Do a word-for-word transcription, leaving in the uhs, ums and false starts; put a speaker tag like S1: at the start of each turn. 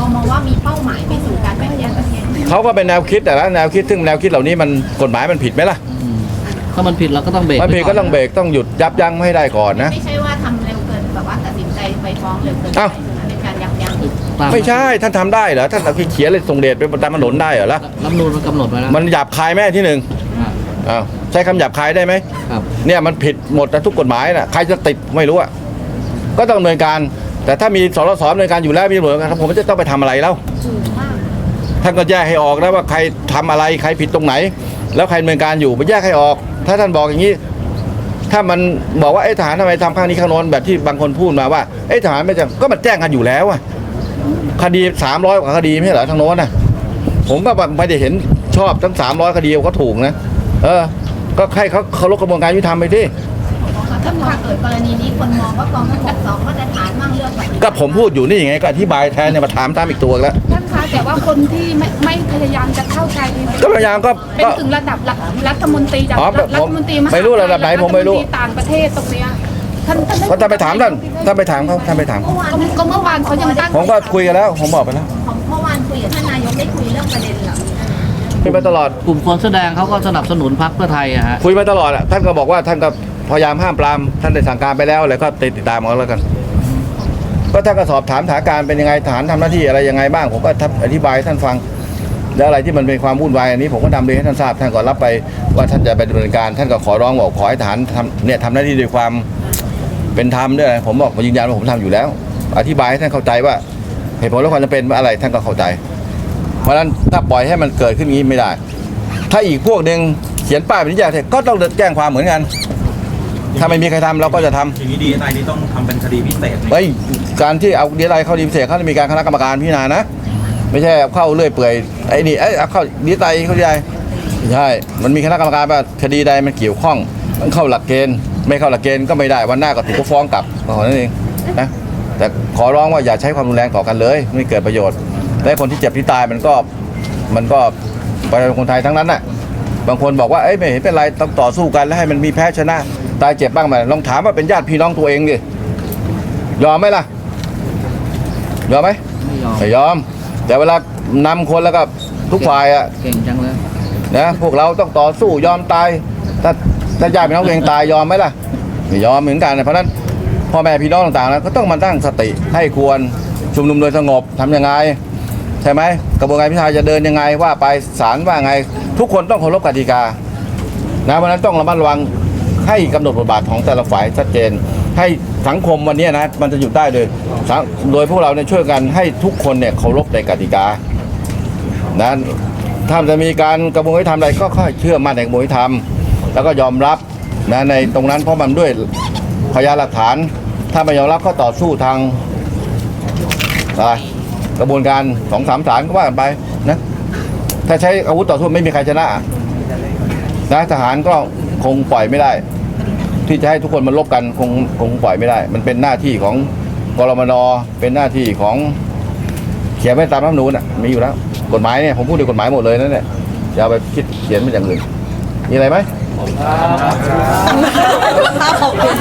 S1: มองว่ามีเป้าหมายไปสู่การแบ่งแยกประเทศ
S2: เขาก็เป็นแนวคิดแต่ละแนวคิดซึ่งแนวคิดเหล่านี้มันกฎหมายมันผิดไหมล่ะ
S3: ถ้ามันผิดเราก็ต้องเบรก
S2: มันผิดก็ต้องเบรกต้องหยุดยับยั้งให้ได้ก่อนนะ
S1: ไม่ใช่ว่าทำเร็วเกินแบบว่าตัดสินใจไปฟ้องเร็วเกินไปเป็นการยับยั้งอีก
S2: ไม่ใช่ท่านทำได้เหรอท่านเอาเขียนเลยส่งเดชไปตามถนนได้เหรอล่ะ
S3: รัฐธรรมนูญมันกำหนดไว้แล้ว
S2: มันหยาบคายแม่ที่หนึ่งอ้าวใช้คำหยาบคายได้ไหม
S3: ครับ
S2: เนี่ยมันผิดหมดทุกกฎหมายน่ะใครจะติดไม่รู้อ่ะก็ต้องดำเนินการแต่ถ้ามีสรสดำเนินการอยู่แล้วมีตำรวจกันผมจะต้องไปทำอะไรแล้วท่านก็แยกให้ออกนะว่าใครทำอะไรใครผิดตรงไหนแล้วใครดำเนินการอยู่ไปแยกให้ออกถ้าท่านบอกอย่างนี้ถ้ามันบอกว่าไอ้ทหารทำไมทำข้างนี้ข้างโน้นแบบที่บางคนพูดมาว่าไอ้ทหารไม่จะก็มันแจ้งกันอยู่แล้วอะคดีสามร้อยกว่าคดีไม่ใช่เหรอทางโน้นน่ะผมก็ไม่ได้เห็นชอบทั้งสามร้อยคดีก็ถูกนะเออก็ให้เขาเคารพกระบวนการยุติธรรมไปที่
S1: ถ้าเกิดกรณีนี้คนมองว่ากองทัพบกสองมาตรฐานมั่งเรื่องแบบ
S2: ก็ผมพูดอยู่นี่ยังไงก็อธิบายแทนเนี่ยมาถามตามอีกตัวแล้ว
S4: ท่านคะแต่ว่าคนที่ไม่ไม่พยายามจะเข้าใจ
S2: ก็พยายามก็
S4: เป็นถึงระดับรัฐมนตรีจากรัฐมนตรี
S2: ไม่รู้ระดับไหนผมไม่รู้
S4: ต่างประเทศตรงเนี้ยท่าน
S2: ก็ท่านไปถามท่านท่านไปถามเขาท่านไปถาม
S4: ก็เมื่อวานเขายังตั้ง
S2: ผมก็คุยกันแล้วผมบอกไปแล้ว
S1: เมื่อวานคุยกับท่านนายกได้คุยเรื่องประเด็นเหล่านี้
S2: คุยมาตลอด
S3: กลุ่มคนแสดงเขาก็สนับสนุนพรรคเพื่อไทยอะฮะ
S2: คุยมาตลอดอ่ะท่านก็บอกว่าท่านก็พยายามห้ามปรามท่านได้สั่งการไปแล้วอะไรก็ติดตามเอาแล้วกันก็ท่านก็สอบถามสถานการณ์เป็นยังไงทหารทำหน้าที่อะไรยังไงบ้างผมก็อธิบายท่านฟังแล้วอะไรที่มันเป็นความวุ่นวายอันนี้ผมก็นำเรียนให้ท่านทราบท่านก็รับไปว่าท่านจะไปดำเนินการท่านก็ขอร้องบอกขอให้ทหารทำเนี่ยทำหน้าที่ด้วยความเป็นธรรมด้วยผมบอกผมยืนยันว่าผมทำอยู่แล้วอธิบายให้ท่านเข้าใจว่าเหตุผลและความจำเป็นว่าอะไรท่านก็เข้าใจเพราะฉะนั้นถ้าปล่อยให้มันเกิดขึ้นงี้ไม่ได้ถ้าอีกพวกหนึ่งเขียนป้ายเป็นนิยายก็ต้องแจ้งความเหมือนกันถ้าไม่มีใครทำเราก็จะทำ
S5: อย่างนี้ดีเอสไอนี่ต้องทำเป็นคดีพิเศษ
S2: ไอ้การที่เอาดีเอสไอเข้าดีพิเศษเขาจะมีการคณะกรรมการพิจารณานะไม่ใช่เข้าเรื่อยเปื่อยไอ้นี่ไอ้เอาเข้าดีเอสไอเข้าดีไอใช่มันมีคณะกรรมการว่าคดีใดมันเกี่ยวข้องมันเข้าหลักเกณฑ์ไม่เข้าหลักเกณฑ์ก็ไม่ได้วันหน้าก็ถูกฟ้องกลับก็เท่านั้นเองนะแต่ขอร้องว่าอย่าใช้ความรุนแรงต่อกันเลยไม่เกิดประโยชน์และคนที่เจ็บที่ตายมันก็มันก็ประชาชนคนไทยทั้งนั้นน่ะบางคนบอกว่าเอ้ยไม่เห็นเป็นไรต้องต่อสู้กันแล้วให้มันมีแพ้ชนะตายเจ็บบ้างไหมลองถามว่าเป็นญาติพี่น้องตัวเองดิยอมไหมล่ะยอมไหม
S3: ไม่ยอม
S2: ไม่ยอมแต่เวลานำคนแล้วก็ทุกฝ่ายอ่ะ
S3: เก่งจังเลย
S2: นะพวกเราต้องต่อสู้ยอมตายถ้าถ้าญาติพี่น้องตัวเองตายยอมไหมล่ะไม่ยอมเหมือนกันเพราะนั้นพ่อแม่พี่น้องต่างๆนะก็ต้องมาตั้งสติให้ควรชุมนุมโดยสงบทำยังไงใช่ไหมกระบวนการพิจารณาจะเดินยังไงว่าไปศาลว่าไงทุกคนต้องเคารพกติกานะเพราะนั้นต้องระมัดระวังให้กำหนดบทบาทของแต่ละฝ่ายชัดเจนให้สังคมวันนี้นะมันจะหยุดได้เลยโดยพวกเราเนี่ยช่วยกันให้ทุกคนเนี่ยเคารพในกติกานะถ้าจะมีการกระบวนการทำอะไรก็ค่อยเชื่อมั่นในกระบวนการทำแล้วก็ยอมรับนะในตรงนั้นเพราะมันด้วยพยานหลักฐานถ้าไม่ยอมรับก็ต่อสู้ทางอะไรกระบวนการสองสามศาลก็ว่ากันไปนะถ้าใช้อาวุธต่อสู้ไม่มีใครชนะนะทหารก็คงปล่อยไม่ได้ที่จะให้ทุกคนมันลบกันคงคงปล่อยไม่ได้มันเป็นหน้าที่ของกรมนเป็นหน้าที่ของเขียนไว้ตามรัฐธรรมนูญอ่ะมีอยู่แล้วกฎหมายเนี่ยผมพูดในกฎหมายหมดเลยนั่นแหละอย่าไปคิดเขียนเป็นอย่างอื่นมีอะไรไหม